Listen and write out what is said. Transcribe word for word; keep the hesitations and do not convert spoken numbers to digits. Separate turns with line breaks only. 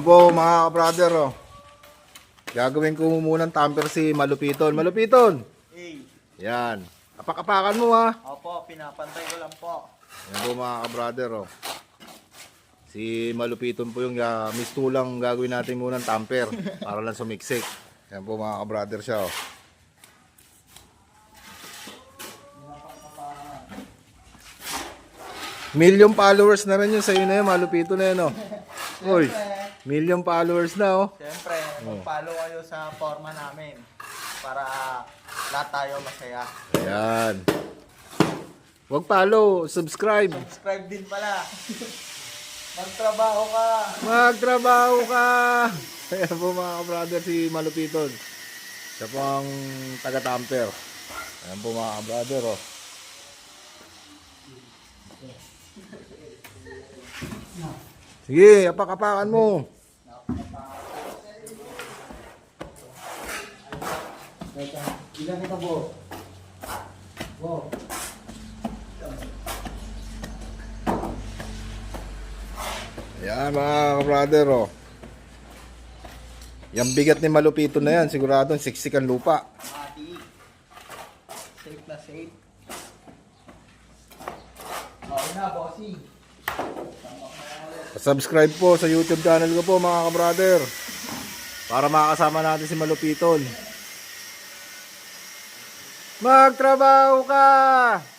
po mga brother, oh. Gagawin ko muna ng tamper si Malupiton. Malupiton!
Eh,
Yan. Apak-apakan mo ha.
opo, pinapantay ko lang po.
Yan po mga brother, oh. Si Malupiton po yung uh, mistulang gagawin natin muna ng tamper para lang sumiksik. Yan po mga brother siya, oh. Million followers na rin yun sa'yo na yun, Malupito na yun, oh. Uy, million followers na, oh.
Siyempre, mag-follow kayo sa forma namin para lahat tayo masaya.
Ayan. Huwag follow, subscribe.
Subscribe din pala. Magtrabaho ka.
Magtrabaho ka! Ayan po mga brother si Malupiton. Siya po ang taga-tamper. Ayan po mga brother, oh. Sige, apak-apakan mo.
Ilan kita po? Wow.
Ayan mga brother, oh. Yung bigat ni Malupito na yan, siguradong siksik ang lupa.
Mati. Safe na safe. Okay na, bossy.
Subscribe po sa YouTube channel ko po mga brother. Para makakasama natin si Malupiton. Magtrabaho ka!